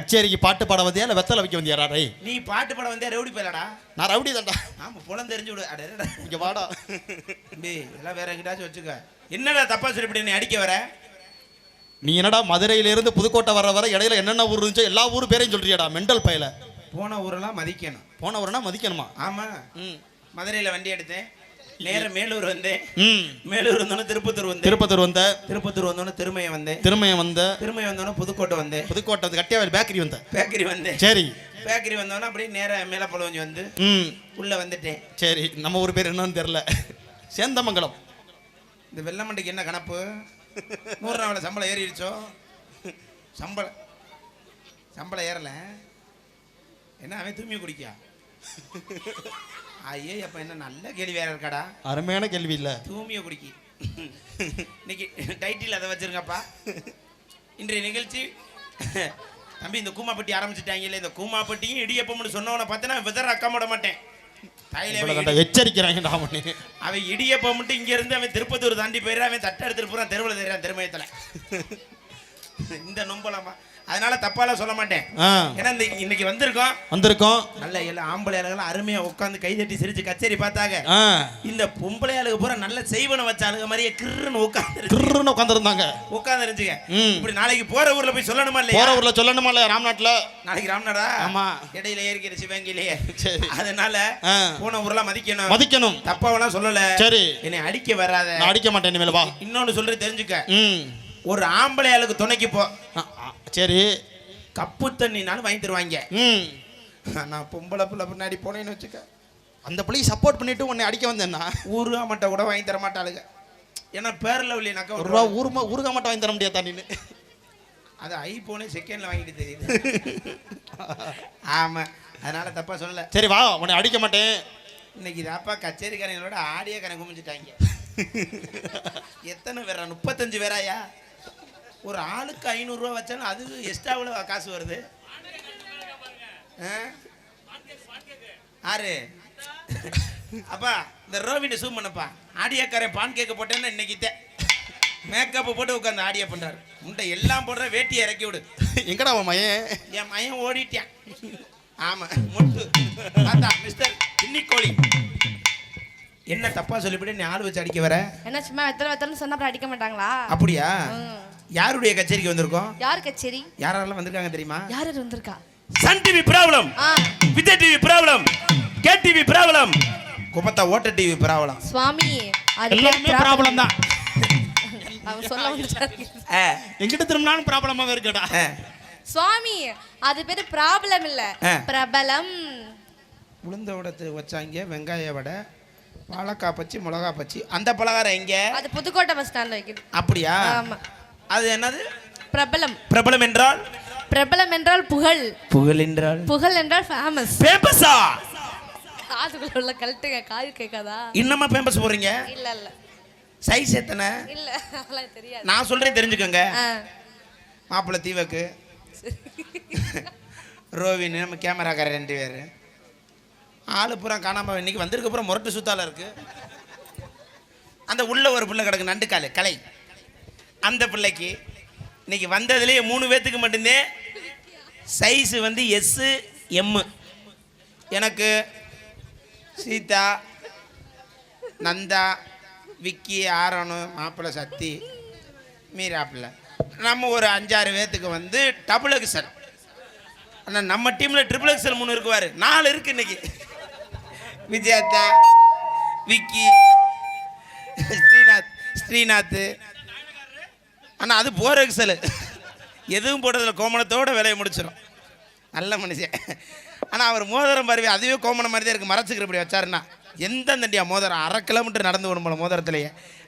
கச்சேரிக்கு பாட்டு பாட வந்தியா இல்லை வெத்தலை வைக்க வந்தியா ரே? நீ பாட்டு பாட வந்தியா ரவுடி போயிலடா? நான் ரவுடி தான்டா. ஆமா புலம் தெரிஞ்சு விடு. அடடா இங்க வாடா. டேய் எல்லாம் வேற எங்கிட்டாச்சும் வச்சுக்க. என்னடா தப்பா சொல்லி நீ அடிக்க வர? நீ என்னடா மதுரையிலிருந்து புதுக்கோட்டை வர இடையில என்னென்ன ஊர் இருந்துச்சோ எல்லா ஊர் பேரையும் சொல்றியாடா மெண்டல் பையல. போன ஊரெல்லாம் மதிக்கணும். போன ஊர்னா மதிக்கணுமா? ஆமா. மதுரையில் வண்டி எடுத்தேன், நேரம் மேலூர் வந்தேன், மேலூர் வந்தோன்னே திருப்பத்தூர் வந்தேன், திருப்பத்தூர் வந்தோன்னே திருமயம் வந்தேன், திருமயம் வந்தோன்னே புதுக்கோட்டை வந்தேன், புதுக்கோட்டை கட்டியாவில் பேக்கரி வந்தேன். சரி, பேக்கரி வந்தோன்னே அப்படியே நேரம் மேலப்பழவஞ்சி வந்து உள்ள வந்துட்டேன். சரி, நம்ம ஊர் பேர் என்னன்னு தெரியல. சேந்தமங்கலம். இந்த வெள்ளமண்டைக்கு என்ன கணப்பு? 100 நாள் சம்பளம் ஏறிடுச்சோ? சம்பளம் ஏறல. என்ன அவன் தூய்மை குடிக்கா? ஐயே அப்ப என்ன நல்ல கேள்வி வேற இருக்காடா. அருமையான கேள்வி இல்ல. தூய்மையை குடிக்கி. இன்னைக்கு டைட்டில் அதை வச்சிருங்கப்பா. இன்றைய நிகழ்ச்சி தம்பி இந்த கூமாப்பட்டி ஆரம்பிச்சுட்டாங்கல்ல, இந்த கூமாப்பட்டியும் இடியப்பம்னு சொன்னவனை பார்த்தனா விதற அக்கா போட மாட்டேன். எச்சரிக்கிறாங்க. அவன் இடியப்பம் மட்டும் இங்க இருந்து அவன் திருப்பத்தூர் தாண்டி போயிடுறான். அவன் தட்டை எடுத்துட்டு போறான், தெருவில் தெரியான் திருமயத்துல. இந்த நொம்பலாமா? அதனால தப்பாலாம் சொல்ல மாட்டேன். ஏன்னா இன்னைக்கு வந்திருக்கோம் நல்ல எல்லாம் ஆம்பளை ஆளுகள் அருமையா உட்காந்து கைதட்டி சிரிச்சு கச்சேரி பார்த்தாங்க. இந்த பொம்பளை ஆளுக பூரா நல்ல செய்வன வச்ச ஆளுக மாதிரியே கிருன்னு உட்காந்துருந்தாங்க. இப்படி நாளைக்கு போற ஊர்ல போய் சொல்லணுமா இல்லையா? போற ஊர்ல சொல்லணுமா இல்லையா? ராம்நாட்ல நாளைக்கு ராம்நாடா? ஆமா, இடையில ஏறிக்கிற சிவங்கிலேயே. அதனால போன ஊர்லாம் மதிக்கணும். தப்பாவெல்லாம் சொல்லல. சரி, என்னை அடிக்க வராத. நான் அடிக்க மாட்டேன். இனிமேல் வா. இன்னொன்னு சொல்றது தெரிஞ்சுக்க. ஒரு ஆம்பளை ஆளுக்கு துணைக்கு போ. சரி, கப்பு தண்ணினாலும் வாங்கி தருவாங்க. நான் பொம்பளை பிள்ளை பின்னாடி போனேன்னு வச்சுக்க, அந்த பிள்ளையை சப்போர்ட் பண்ணிட்டு உன்னை அடிக்க வந்தேன்னா ஊருகா மட்டை கூட வாங்கி தர மாட்டாளுங்க. ஏன்னா பேரில் இல்லைனாக்கா ஒரு ரூபா ஊருகா மட்டை வாங்கி தர முடியாது தண்ணின்னு. அது ஐபோனே செகண்ட்ல வாங்கிட்டு தெரியுது. ஆமா, அதனால தப்பா சொல்லல. சரி வா, உன்னை அடிக்க மாட்டேன். இன்னைக்கு தாப்பா கச்சேரிக்காரங்களோட ஆடியோ கணக்கு குமிஞ்சிட்டாங்க. எத்தனை பேரா? 35 பேராயா? ஒரு ஆளுக்கு 500 ரூபா வச்சாலும் அது எக்ஸ்ட்ராவில் காசு வருது. ஆறு அப்பா இந்த ரோவினை சூம் பண்ணப்பா. ஆடியோக்காரன் பான் கேக்க போட்டேன்னா இன்னைக்கு மேக்கப் போட்டு உட்காந்து ஆடியோ பண்றாரு. முண்டை எல்லாம் போடுற வேட்டியை இறக்கி விடு. எங்கடா அவன் மயன்? என் மயன் ஓடிட்டான். ஆமா, முட்டு மிஸ்டர் இன்னிக்கோழி. என்ன தப்பா சொல்லிவிட்டு நீ ஆள் வச்சு அடிக்க வர? என்ன சும்மா வெத்தலை சொன்னா அப்புறம் அடிக்க மாட்டாங்களா? அப்படியா? யாருடைய கச்சேரிக்கு வந்திருக்கோம்? யார் கச்சேரி? யாரெல்லாம் வந்திருக்காங்க தெரியுமா? யார் வந்திருக்கா? Sun TV problem, Vijay TV problem, K TV problem, குப்பத்தா ஓட்ட டிவி ப்ராப்ளம். சுவாமி எல்லாமே ப்ராப்ளம் தான். அவன் சொல்ல வந்துட்டாரு. எங்கிட்ட திரும்பினாலும் ப்ராப்ளமாவே இருக்கடா. சுவாமி அது பேரு ப்ராப்ளம் இல்ல, பிரபலம். உளுந்த வடை வச்சாங்க, வெங்காய வடை, வாழைக்காய் பச்சி, மிளகா பச்சி. அந்த பலகாரம் எங்க? அது புதுக்கோட்டை பஸ் ஸ்டாண்ட்ல வைக்குது. அப்படியா? ஆமா. அது என்னது? பிரபலம். பிரபலம் என்றால்? பிரபலம் என்றால் புகழ். புகழ் என்றால்? புகழ் என்றால் ஃபேமஸ். ஃபேமஸா? காதுக்குள்ள உள்ள கழட்டுங்க, காது கேட்காதா? இன்னமா ஃபேமஸ் போறீங்க? இல்ல இல்ல. சைஸ் எத்தனை? இல்ல அதெல்லாம் தெரியாது. நான் சொல்றேன் தெரிஞ்சுக்கங்க. மாப்பிள்ளை தீவக்கு, ரோவின், நம்ம கேமராக்காரர் 2 பேர். ஆளு பூரா காணாம இன்னைக்கு வந்திருக்க பூரா முரட்டு சுத்தால இருக்கு. அந்த உள்ள ஒரு பிள்ளை கிடக்கு, நண்டு காலு கலை. அந்த பிள்ளைக்கு இன்னைக்கு வந்ததுலேயே 3 பேத்துக்கு மட்டும்தான் சைஸ் வந்து எஸ் எம். எனக்கு சீதா, நந்தா, விக்கி, ஆரோனு, மாப்பிள்ளை சத்தி, மீராப்பிள்ளை, நம்ம ஒரு 5-6 பேத்துக்கு வந்து டபுள் எக்ஸல். ஆனால் நம்ம டீமில் ட்ரிபிள் எக்ஸல் 3 இருக்குவார். 4 இருக்கு இன்னைக்கு. விஜயத்தா, விக்கி, ஸ்ரீநாத். ஆனால் அது 4 எக்ஸல். எதுவும் போட்டதில்ல, கோமணத்தோட வேலையை முடிச்சிடும். நல்ல மனுஷன். ஆனால் அவர் மோதிரம் பாருவே, அதுவே கோமணம் மாதிரி தான் இருக்குது. மறைச்சிக்கிற இப்படி வச்சாருன்னா எந்த தண்டியா மோதிரம் 1/2 கிலோமீட்டர் நடந்து விடும் போல மோதிரத்துலேயே.